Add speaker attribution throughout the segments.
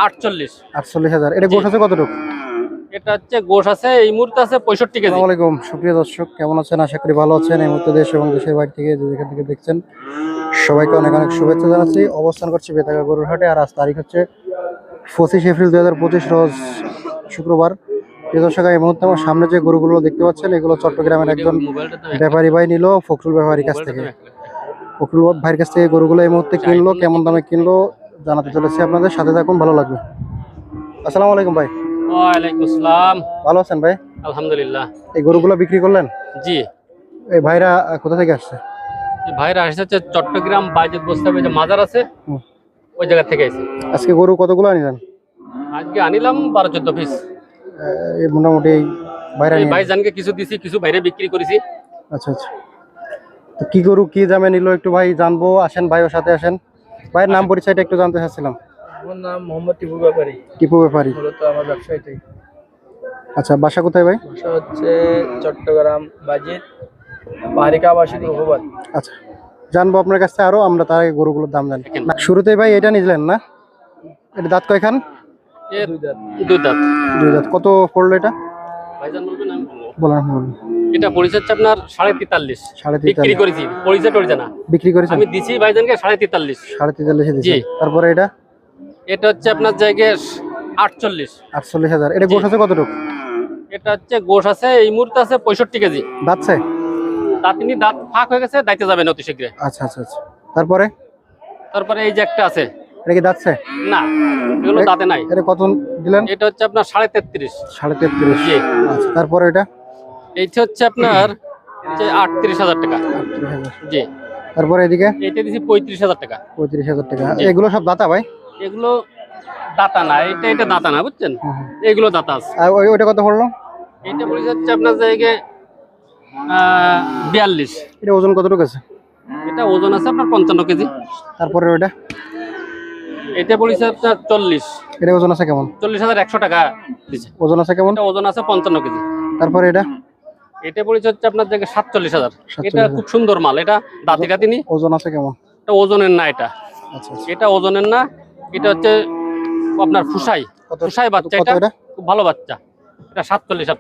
Speaker 1: 48।
Speaker 2: 48,000। এটা গোশ আছে কতটুকু?
Speaker 1: এটা হচ্ছে গোশ আছে এই মুহূর্তে আছে 65 কেজি।
Speaker 2: আসসালামু আলাইকুম সুপ্রিয় দর্শক, কেমন আছেন? আশা করি ভালো আছেন। এই মুহূর্তে দেশ এবং দেশের বাইরে থেকে যেখান থেকে দেখছেন সবাইকে অনেক অনেক শুভেচ্ছা জানাচ্ছি। অবস্থান করছি বেতাগা গরুর হাটে, আর আজ তারিখ হচ্ছে 25 এপ্রিল 2025, রোজ শুক্রবার। প্রিয় দর্শক, এই মুহূর্তে আমার সামনে যে গরুগুলো দেখতে পাচ্ছেন এগুলো চট্টগ্রামের একজন ব্যাপারী ভাই নিল ফখরুল ব্যাপারীর কাছ থেকে। ফখরুল ভাইয়ের কাছ থেকে গরুগুলো এই মুহূর্তে কিনলো, কেমন দামে কিনলো জানাতে চলেছি আপনাদের, সাথে থাকুন, ভালো লাগবে। আসসালামু আলাইকুম ভাই।
Speaker 1: ওয়ালাইকুম আসসালাম।
Speaker 2: ভালো আছেন ভাই?
Speaker 1: আলহামদুলিল্লাহ।
Speaker 2: এই গরুগুলো বিক্রি করলেন?
Speaker 1: জি।
Speaker 2: এই ভাইরা কোথা থেকে আসছে?
Speaker 1: এই ভাইরা আসছে চট্টগ্রাম বাইজেত বস্তাবে যে মাজার আছে ওই জায়গা থেকে এসে।
Speaker 2: আজকে গরু কতগুলো আনিলেন?
Speaker 1: আজকে আনিলাম 12-14 পিস।
Speaker 2: এই মোটামুটি এই ভাইরা
Speaker 1: এই ভাইজানকে কিছু দিছি, কিছু বাইরে বিক্রি করেছি।
Speaker 2: আচ্ছা আচ্ছা। তো কি গরু কি দামে নিল একটু ভাই জানবো, আসেন ভাইয়ের সাথে আসেন। ভাইয়ের নাম পরিচয়টা একটু জানতে চাচ্ছিলাম।
Speaker 3: আমার নাম মোহাম্মদ টিপু ব্যাপারী।
Speaker 2: টিপু ব্যাপারী,
Speaker 3: মূলত আমার ব্যবসা এটাই।
Speaker 2: আচ্ছা, বাসা কোথায় ভাই?
Speaker 3: ব্যবসা হচ্ছে চট্টগ্রাম বাজিত পাহাড়িকা আবাসিক রঘুবাদ।
Speaker 2: আচ্ছা, জানবো আপনার কাছে আরো, আমরা তার আগে গরুগুলোর দাম জানি। না, শুরুতেই ভাই এটা নিলেন না? এটা দাঁত কয়খান?
Speaker 1: দুই দাঁত।
Speaker 2: দুই দাঁত। কত পড়লো এটা?
Speaker 1: ভাইজান বলবেন আমি
Speaker 2: বলেন।
Speaker 1: এটা পরিচয় হচ্ছে আপনার 43.5।
Speaker 2: 43,000
Speaker 1: বিক্রি করেছি, পরিচয় টরিচয় না
Speaker 2: বিক্রি করেছেন?
Speaker 1: আমি দিছি ভাইজানকে 43.5।
Speaker 2: 43,000 দিয়েছি।
Speaker 1: জি।
Speaker 2: তারপরে এটা?
Speaker 1: এটা হচ্ছে আপনার জায়গায় 48।
Speaker 2: 48,000। এটা গোশ আছে কতটুকু?
Speaker 1: এটা হচ্ছে গোশ আছে এই মুহূর্তে আছে 65 কেজি।
Speaker 2: দাঁতছে?
Speaker 1: দাঁতিনি দাঁত ফাঁক হয়ে গেছে, দাইতে যাবেন অতি শীঘ্রে।
Speaker 2: আচ্ছা আচ্ছা আচ্ছা। তারপরে
Speaker 1: তারপরে এই যে একটা আছে,
Speaker 2: এটা কি দাঁতছে?
Speaker 1: না এগুলো দাঁতে নাই।
Speaker 2: এটা কত দিলেন?
Speaker 1: এটা হচ্ছে আপনার 33.5।
Speaker 2: 33.5।
Speaker 1: জি।
Speaker 2: আচ্ছা, তারপরে এটা?
Speaker 1: এইটা হচ্ছে আপনার 38,000 টাকা।
Speaker 2: 38,000।
Speaker 1: জি।
Speaker 2: তারপরে এদিকে?
Speaker 1: এইটা দিছি 35,000 টাকা।
Speaker 2: 35,000 টাকা।
Speaker 1: জি।
Speaker 2: এগুলো সব দাতা ভাই?
Speaker 1: এগুলো দাতা না, এটা দাতা না, বুঝছেন? এগুলো দাতা আছে।
Speaker 2: আর ওইটা কত পড়লো?
Speaker 1: এইটা পড়ে যাচ্ছে আপনার জায়গায় 42।
Speaker 2: এটা ওজন কতটুকু আছে?
Speaker 1: এটা ওজন আছে আপনার 55 কেজি।
Speaker 2: তারপরে ওইটা?
Speaker 1: এটা পড়েছে আপনার 40।
Speaker 2: এটা ওজন আছে কেমন?
Speaker 1: 40,100 টাকা দিছে।
Speaker 2: ওজন আছে কেমন?
Speaker 1: এটা ওজন আছে 55 কেজি।
Speaker 2: তারপরে এটা?
Speaker 1: এটা পড়েছে হচ্ছে আপনার জায়গায় 47,000।
Speaker 2: 47,000।
Speaker 1: এটা খুব সুন্দর মাল, এটা দাঁতি কাতিনি।
Speaker 2: ওজন আছে কেমন?
Speaker 1: এটা ওজনের না, এটা
Speaker 2: আচ্ছা আচ্ছা।
Speaker 1: এটা ওজনের না, এটা হচ্ছে আপনার ফুসাই ফুসাই বাচ্চা।
Speaker 2: কত
Speaker 1: এটা
Speaker 2: এটা?
Speaker 1: খুব ভালো বাচ্চা। এটা 47,000।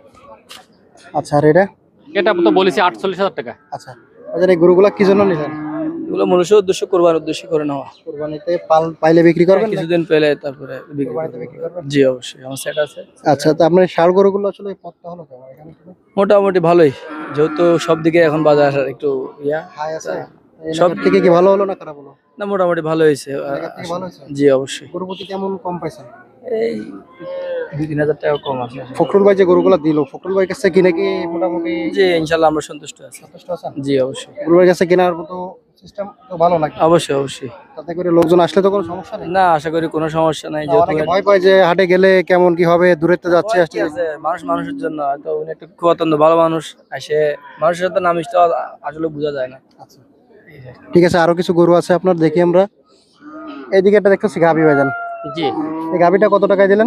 Speaker 2: আচ্ছা, আর এটা?
Speaker 1: এটা তো বলেছি 48,000 টাকা।
Speaker 2: আচ্ছা, আচ্ছা। এই গরুগুলা কি জন্য নিলেন?
Speaker 3: এগুলো মনুষ্য উদ্দেশ্য করবার উদ্দেশ্যে করে নেওয়া।
Speaker 2: কুরবানিতে পাইলে বিক্রি করবেন?
Speaker 3: কিছুদিন পেলে তারপরে বিক্রি
Speaker 2: কুরবানিতে
Speaker 3: করব।
Speaker 2: বিক্রি করবেন?
Speaker 3: জি অবশ্যই, আমার সেট আছে।
Speaker 2: আচ্ছা, তো আপনার ষাঁড় গরুগুলো আসলে পথটা হলো কেমন এখানে?
Speaker 3: মোটামুটি ভালোই, যেহেতু সব দিকে এখন বাজার একটু
Speaker 2: হাই আছে।
Speaker 3: সব
Speaker 2: সব থেকে কি ভালো হলো না খারাপ হলো?
Speaker 3: না, মোটামুটি ভালো হয়েছে।
Speaker 2: আগের থেকে ভালো হয়েছে?
Speaker 3: জি অবশ্যই।
Speaker 2: গরু প্রতি কেমন কম পাইছেন?
Speaker 3: এই 2-3 হাজার টাকা কম আছে।
Speaker 2: ফখরুল ভাই যে গরুগুলো দিল, ফখরুল ভাই কাছে কিনে কি মোটামুটি
Speaker 3: জি ইনশাল্লাহ আমরা সন্তুষ্ট আছি।
Speaker 2: সন্তুষ্ট আছেন?
Speaker 3: জি অবশ্যই।
Speaker 2: ফখরুল ভাই কাছে কেনার মতো সিস্টেম তো ভালো লাগে।
Speaker 3: অবশ্যই অবশ্যই।
Speaker 2: তাতে করে লোকজন আসলে তো কোনো সমস্যা নেই?
Speaker 3: না, আশা করি কোনো সমস্যা নাই।
Speaker 2: অনেকে ভয় পায় যে হাটে গেলে কেমন কি হবে, দূরত্বে যাচ্ছে আসছে।
Speaker 3: মানুষ মানুষের জন্য, হয়তো উনি একটা খুব অত্যন্ত ভালো মানুষ, আসে মানুষের সাথে নামিস তো আসলে বোঝা যায় না।
Speaker 2: আচ্ছা, ঠিক আছে। আরো কিছু গরু আছে আপনার, দেখি আমরা। এইদিকে একটা দেখতেছি গাভী ভাইজান।
Speaker 1: জি।
Speaker 2: এই গাভীটা কত টাকায় দিলেন?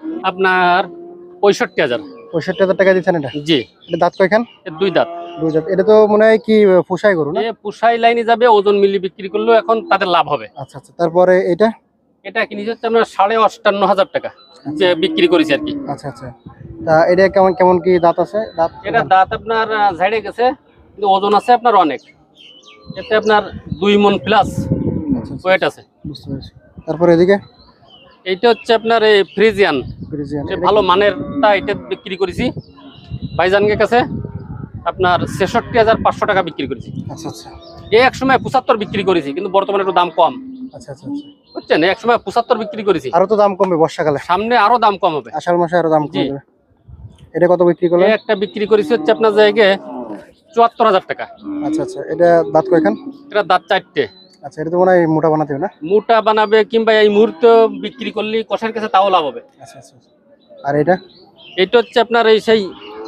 Speaker 1: আপনার 65,000।
Speaker 2: 65,000 টাকা দিচ্ছেন এটা?
Speaker 1: জি।
Speaker 2: এটা দাঁত কয়খান?
Speaker 1: এর দুই দাঁত।
Speaker 2: দুই দাঁত। এটা তো মনে হয় কি পোষাই গরু না?
Speaker 1: এ পুষাই লাইনে যাবে, ওজন মিলি বিক্রি করলেও এখন তাদের লাভ হবে।
Speaker 2: আচ্ছা আচ্ছা। তারপরে এটা?
Speaker 1: এটা কিনে যাচ্ছে আমরা 58,500 টাকা যে বিক্রি করেছি আর কি।
Speaker 2: আচ্ছা আচ্ছা। তা এটা কেমন কেমন কি দাঁত আছে? দাঁত
Speaker 1: এটা দাঁত আপনার ঝাড়ে গেছে, কিন্তু ওজন আছে আপনার অনেক। এতে আপনার 2 মণ প্লাস ওয়েট আছে।
Speaker 2: বুঝতে পেরেছি। তারপরে এদিকে?
Speaker 1: এইটা হচ্ছে আপনার এই ফ্রিজিয়ান,
Speaker 2: ফ্রিজিয়ান।
Speaker 1: ভালো মানেরটা এটা বিক্রি করেছি ভাইজানকে কাছে আপনার 66,500 টাকা বিক্রি করেছি।
Speaker 2: আচ্ছা আচ্ছা।
Speaker 1: এক সময় 75 বিক্রি করেছি, কিন্তু বর্তমানে একটু দাম কম।
Speaker 2: আচ্ছা আচ্ছা আচ্ছা।
Speaker 1: বুঝছেন, এক সময় 75 বিক্রি করেছি,
Speaker 2: আরো তো দাম কমবে বর্ষাকালে,
Speaker 1: সামনে আরো দাম কম হবে।
Speaker 2: আষাঢ় মাসে আরো দাম
Speaker 1: জি।
Speaker 2: কমবে। এটা কত বিক্রি করলেন?
Speaker 1: একটা বিক্রি করেছি হচ্ছে আপনার জায়গায় 74,000 টাকা।
Speaker 2: আচ্ছা আচ্ছা। এটা দাঁত কয়খান?
Speaker 1: এটা দাঁত 4টে।
Speaker 2: আচ্ছা, এটা তো মনে হয় মোটা বানাতে হবে না?
Speaker 1: মোটা বানাবে, কিংবা এই মুহূর্তে বিক্রি করলে কষার কাছে তাও লাভ হবে।
Speaker 2: আচ্ছা আচ্ছা। আর এটা?
Speaker 1: এটা হচ্ছে আপনার এই সেই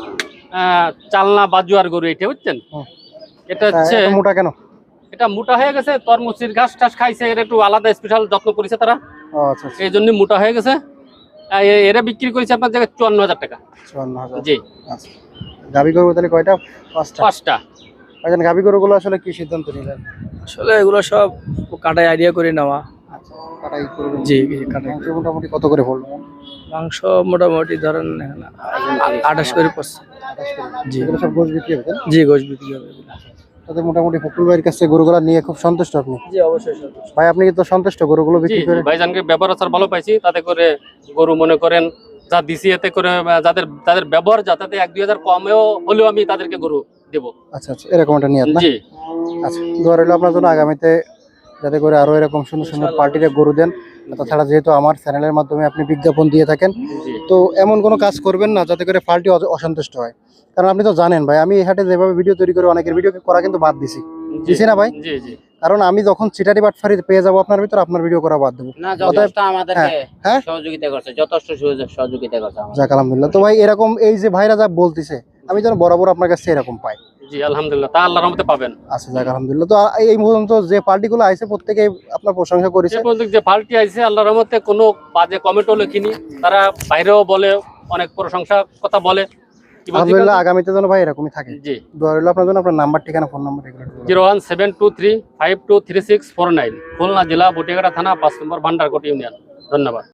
Speaker 1: চালনা বাজুয়ার গরু এটা, বুঝছেন? এটা হচ্ছে
Speaker 2: মোটা কেন?
Speaker 1: এটা মোটা হয়ে গেছে, তরমুচির ঘাস টাস খাইছে, এর একটু আলাদা স্পেশাল যত্ন করেছে তারা।
Speaker 2: ও আচ্ছা আচ্ছা।
Speaker 1: এই জন্য মোটা হয়ে গেছে। এরা বিক্রি করেছে আপনার জায়গায় 54,000 টাকা।
Speaker 2: 54,000।
Speaker 1: জি।
Speaker 2: আচ্ছা। গাভী গরু তাহলে কয়টা? 5টা।
Speaker 1: 5টা।
Speaker 2: ভাইজান, গাভী গরুগুলো আসলে কি সিদ্ধান্ত নিলেন?
Speaker 3: আসলে এগুলো সব কাটায় আইডিয়া করে নেওয়া।
Speaker 2: আচ্ছা। কাটাই করবেন?
Speaker 3: জি কাটাই।
Speaker 2: মাংস মোটামুটি কত করে পড়লো?
Speaker 3: মাংস মোটামুটি ধরেন এখানে 28 করে পড়ছে।
Speaker 2: 28 করে।
Speaker 3: জি।
Speaker 2: এগুলো সব গোশ বিক্রি হবে তাই?
Speaker 3: জি গোশ বিক্রি হবে এগুলো।
Speaker 2: তাতে মোটামুটি ফখরুল ভাইয়ের কাছে গরুগুলো নিয়ে খুব সন্তুষ্ট আপনি?
Speaker 3: জি অবশ্যই সন্তুষ্ট।
Speaker 2: ভাই আপনি কি তো সন্তুষ্ট গরুগুলো
Speaker 1: জি
Speaker 2: বিক্রি
Speaker 1: জি
Speaker 2: করে?
Speaker 1: ভাইজানকে ব্যবহার আচার ভালো পাইছি, তাতে করে গরু মনে করেন যা দিছি এতে করে যাদের তাদের ব্যবহার যাতে 1-2 হাজার কমেও হলেও আমি তাদেরকে গরু দেবো।
Speaker 2: আচ্ছা আচ্ছা, এরকম একটা নিয়ত না?
Speaker 1: জি
Speaker 2: আচ্ছা, দোয়া রইল আপনার জন্য আগামীতে যাতে করে আরো এরকম সুন্দর সুন্দর পার্টিতে গরু দেন। তাছাড়া যেহেতু আমার চ্যানেলের মাধ্যমে আপনি বিজ্ঞাপন দিয়ে থাকেন,
Speaker 1: জি
Speaker 2: তো এমন কোনো কাজ করবেন না যাতে করে পার্টি অসন্তুষ্ট হয়। কারণ আপনি তো জানেন ভাই, আমি এই হাটে যেভাবে ভিডিও তৈরি করে অনেকের ভিডিও করা কিন্তু বাদ দিছি,
Speaker 1: জি
Speaker 2: দিছি না ভাই?
Speaker 1: জি জি
Speaker 2: কারণ আমি যখন চিটারি বাটফারি পেয়ে যাবো আপনার ভিতর, আপনার ভিডিও করা বাদ দেবো।
Speaker 4: না
Speaker 2: অতএব
Speaker 4: যথেষ্ট আমাদেরকে
Speaker 2: হ্যাঁ?
Speaker 4: সহযোগিতা করছে, যথেষ্ট সহযোগিতা করছে আমাদের।
Speaker 2: যাক আলহামদুলিল্লাহ। তো ভাই এরকম এই যে ভাইরা যা বলতিছে, আমি যেন বরাবর আপনার কাছে এরকম পাই।
Speaker 1: জি আলহামদুলিল্লাহ, তা আল্লাহর রহমতে পাবেন।
Speaker 2: আচ্ছা যাক আলহামদুলিল্লাহ। তো এই পর্যন্ত যে পার্টিগুলো আইছে প্রত্যেকে আপনার প্রশংসা করেছে।
Speaker 1: সে পর্যন্ত যে পার্টি আইছে আল্লাহর রহমতে কোনো বাজে কমেন্টও লেখিনি, তারা বাইরেও বলে অনেক প্রশংসা কথা বলে। কি বলছি
Speaker 2: আলহামদুলিল্লাহ, আগামীতে যেন ভাই এরকমই থাকে।
Speaker 1: জি
Speaker 2: দোয়া রইল আপনার জন্য। আপনার নাম্বার ঠিকানা ফোন নাম্বার এগুলো একটু বলুন।
Speaker 1: 01723523649, খুলনা জেলা বটিয়াঘাটা থানা 5 নম্বর ভান্ডারকোট ইউনিয়ন। ধন্যবাদ।